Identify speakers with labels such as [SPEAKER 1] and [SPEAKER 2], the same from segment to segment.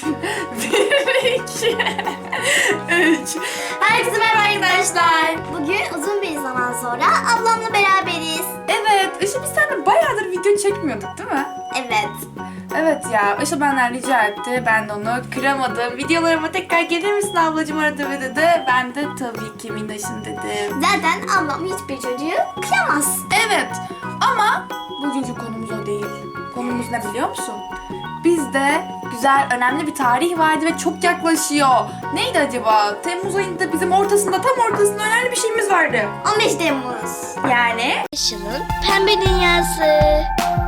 [SPEAKER 1] 1, 2, 3. Herkese merhaba arkadaşlar.
[SPEAKER 2] Bugün uzun bir zaman sonra ablamla beraberiz.
[SPEAKER 1] Evet, Işıl biz seninle bayağıdır video çekmiyorduk değil mi?
[SPEAKER 2] Evet.
[SPEAKER 1] Evet ya, Işıl benden rica etti. Ben de onu kıramadım. Videolarıma tekrar gelir misin ablacığım arada ve dedi. Ben de tabii ki Minnoş'um dedim.
[SPEAKER 2] Zaten ablam hiçbir çocuğu kıyamaz.
[SPEAKER 1] Evet ama bugünkü konumuz o değil. Konumuz ne biliyor musun? Bizde güzel, önemli bir tarih vardı ve çok yaklaşıyor. Neydi acaba? Temmuz ayında bizim ortasında, tam ortasında önemli bir şeyimiz vardı.
[SPEAKER 2] 15 Temmuz.
[SPEAKER 1] Yani?
[SPEAKER 2] Işıl'ın pembe dünyası.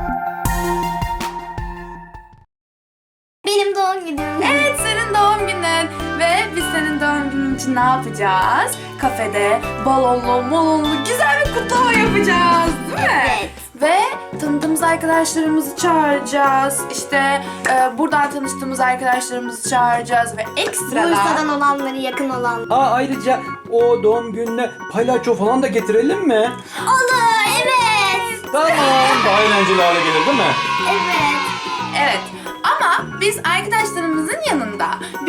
[SPEAKER 2] Benim doğum günüm.
[SPEAKER 1] Evet, senin doğum günün. Ve biz senin doğum günün için ne yapacağız? Kafede balonlu güzel bir kutlama yapacağız, değil mi?
[SPEAKER 2] Evet.
[SPEAKER 1] Ve tanıdığımız arkadaşlarımızı çağıracağız. İşte buradan tanıştığımız arkadaşlarımızı çağıracağız ve ekstradan...
[SPEAKER 2] Bursa'dan olanları, yakın olan.
[SPEAKER 3] Ayrıca o doğum gününe palyaço falan da getirelim mi?
[SPEAKER 2] Olur, evet.
[SPEAKER 3] Tamam. Daha eğlenceli hale gelir değil mi?
[SPEAKER 2] Evet.
[SPEAKER 1] Evet. Ama biz arkadaşlarımızın yanında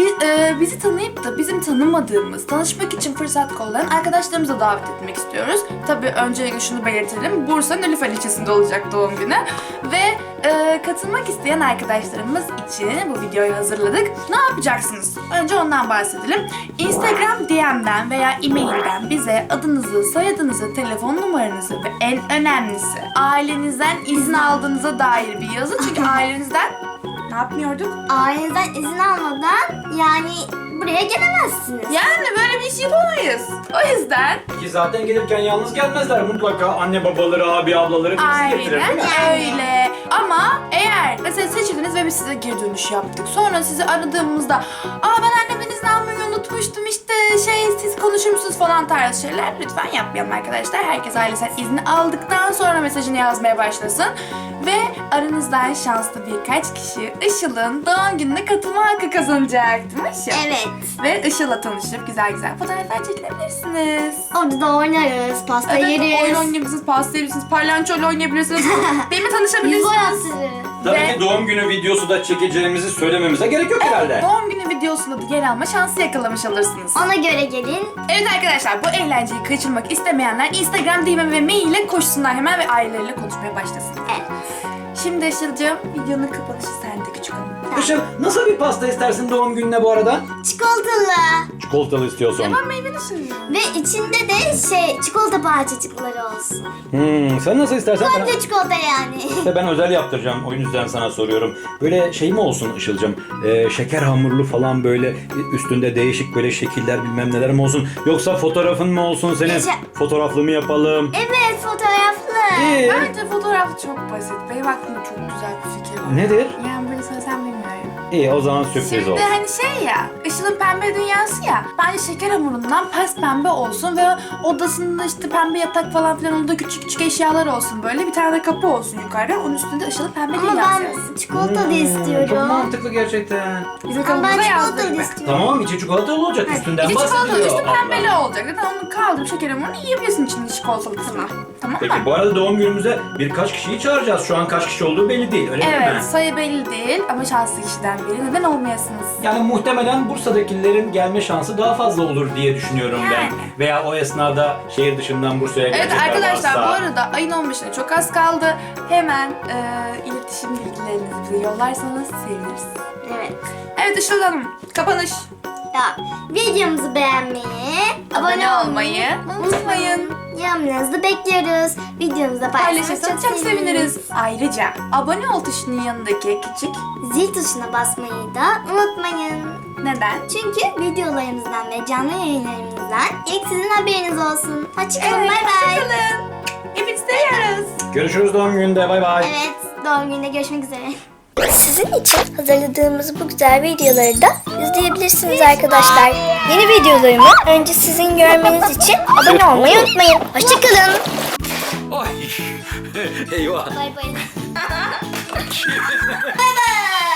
[SPEAKER 1] bizi tanıyıp da bizim tanımadığımız, tanışmak için fırsat kollayan arkadaşlarımıza davet etmek istiyoruz. Tabii öncelikle şunu belirtelim. Bursa Nilüfer ilçesinde olacak doğum günü. Ve katılmak isteyen arkadaşlarımız için bu videoyu hazırladık. Ne yapacaksınız? Önce ondan bahsedelim. Instagram DM'den veya e-mailden bize adınızı, soyadınızı, telefon numaranızı ve en önemlisi ailenizden izin aldığınıza dair bir yazı. Çünkü ailenizden ne yapmıyorduk?
[SPEAKER 2] Ailenizden izin almadan yani buraya gelemezsiniz.
[SPEAKER 1] Yani böyle bir iş yapamayız. O yüzden
[SPEAKER 3] Ki zaten gelirken yalnız gelmezler. Mutlaka anne babaları, abi ablaları birisi getirir değil mi?
[SPEAKER 1] aynen öyle. Ama eğer mesela seçildiniz ve biz size geri dönüş yaptık. Sonra sizi aradığımızda ben annemden izin almayı unutmuştum işte siz konuşur musunuz falan tarzı şeyler lütfen yapmayalım arkadaşlar. Herkes ailesinden izni aldıktan sonra mesajını yazmaya başlasın. Ve aranızdan şanslı birkaç kişi Işıl'ın doğum gününe katılma hakkı kazanacak değil mi Işıl?
[SPEAKER 2] Evet.
[SPEAKER 1] Ve Işıl'la tanışıp güzel fotoğraflar çekilebilirsiniz.
[SPEAKER 2] Orada da oynarız, pasta
[SPEAKER 1] Evet,
[SPEAKER 2] yeriz.
[SPEAKER 1] oyun oynayabilirsiniz, pasta yiyebilirsiniz, palyaçoyla oynayabilirsiniz. Benimle
[SPEAKER 2] Yüz
[SPEAKER 1] tanışabilirsiniz.
[SPEAKER 2] boy attırı.
[SPEAKER 3] Tabii
[SPEAKER 1] Ve-
[SPEAKER 3] ki doğum günü videosu da çekeceğimizi söylememize gerek yok herhalde.
[SPEAKER 1] Doğum günü videosunda da yer alma şansı yakalamış olursunuz.
[SPEAKER 2] Ona göre gelin.
[SPEAKER 1] Evet arkadaşlar, bu eğlenceyi kaçırmak istemeyenler Instagram DM ve mail ile koşsunlar hemen ve aileleriyle konuşmaya başlasın.
[SPEAKER 2] Evet.
[SPEAKER 1] Şimdi Işıl'cığım videonun kapanışı sende küçük hanım.
[SPEAKER 3] Işıl, nasıl bir pasta istersin doğum gününe bu arada?
[SPEAKER 2] Çikolatalı.
[SPEAKER 3] Çikolatalı istiyorsun.
[SPEAKER 1] Ben meyveli sunuyorum.
[SPEAKER 2] Ve içinde de çikolata parçacıkları olsun.
[SPEAKER 3] Sen nasıl istersen.
[SPEAKER 2] Komple çikolata yani.
[SPEAKER 3] İşte ben özel yaptıracağım. O yüzden sana soruyorum. Böyle şey mi olsun Işıl'cığım? Şeker hamurlu falan böyle üstünde değişik böyle şekiller bilmem neler mi olsun? Yoksa fotoğrafın mı olsun senin? Fotoğraflı mı yapalım?
[SPEAKER 2] Evet, fotoğraflı.
[SPEAKER 1] Bence fotoğraf çok basit. Benim aklımda çok güzel bir fikir var.
[SPEAKER 3] Nedir?
[SPEAKER 1] Yani böyle söylesem bilmiyorum.
[SPEAKER 3] İyi, o zaman sürpriz
[SPEAKER 1] Şimdi
[SPEAKER 3] olsun.
[SPEAKER 1] hani ya, Işıl'ın pembe dünyası ya. Bence şeker hamurundan pes pembe olsun ve odasında işte pembe yatak falan filan onda küçük eşyalar olsun böyle. Bir tane de kapı olsun yukarıda. Onun üstünde Işıl'ın pembe
[SPEAKER 2] Ama
[SPEAKER 1] dünyası
[SPEAKER 2] ben
[SPEAKER 1] yazsın.
[SPEAKER 2] çikolatalı
[SPEAKER 3] Çok
[SPEAKER 2] istiyorum.
[SPEAKER 3] mantıklı gerçekten.
[SPEAKER 1] Bizim
[SPEAKER 2] Ama ben
[SPEAKER 1] kapımıza yazdık
[SPEAKER 2] çikolatalı
[SPEAKER 1] mı?
[SPEAKER 2] istiyorum.
[SPEAKER 3] Tamam, içi çikolatalı olacak, üstünden
[SPEAKER 1] İçi çikolatalı,
[SPEAKER 3] bahsediyor
[SPEAKER 1] üstü
[SPEAKER 3] abla.
[SPEAKER 1] pembeli olacak. Zaten onu kaldırıp şeker hamurunu yiyebilirsin içinde çikolatalı kısmı. Tamam
[SPEAKER 3] Peki
[SPEAKER 1] mı?
[SPEAKER 3] bu arada doğum günümüze birkaç kişiyi çağıracağız. Şu an kaç kişi olduğu belli değil, öyle değil mi?
[SPEAKER 1] Evet, sayı belli değil ama şanslı kişiden biri. Neden olmayasınız?
[SPEAKER 3] Yani muhtemelen Bursa'dakilerin gelme şansı daha fazla olur diye düşünüyorum ben.
[SPEAKER 1] Yani.
[SPEAKER 3] Veya o esnada şehir dışından Bursa'ya
[SPEAKER 1] Evet
[SPEAKER 3] gelecekler
[SPEAKER 1] arkadaşlar
[SPEAKER 3] varsa.
[SPEAKER 1] bu arada ayın 15'ine çok az kaldı. Hemen iletişim bilgilerinizi bize yollarsanız seviniriz.
[SPEAKER 2] Evet.
[SPEAKER 1] Evet Işıl Hanım, kapanış.
[SPEAKER 2] Ya, videomuzu beğenmeyi, abone olmayı
[SPEAKER 1] unutmayın.
[SPEAKER 2] Yorumlarınızı bekliyoruz. Videomuzu
[SPEAKER 1] Paylaşırsanız çok seviniriz. Ayrıca abone ol tuşunun yanındaki küçük
[SPEAKER 2] Zil tuşuna basmayı da unutmayın.
[SPEAKER 1] neden?
[SPEAKER 2] Çünkü videolarımızdan ve canlı yayınlarımızdan ilk sizin haberiniz olsun. Hoşçakalın,
[SPEAKER 1] Evet,
[SPEAKER 2] bay bay.
[SPEAKER 1] hoşçakalın. Hepinizi seviyoruz.
[SPEAKER 3] Görüşürüz doğum gününde, bay bay.
[SPEAKER 2] Evet, doğum gününde görüşmek üzere. Sizin için hazırladığımız bu güzel videoları da izleyebilirsiniz arkadaşlar. Yeni videolarımı önce sizin görmeniz için abone olmayı unutmayın. Hoşçakalın.
[SPEAKER 3] Ay, eyvah.
[SPEAKER 2] Bay bay. Bay bay.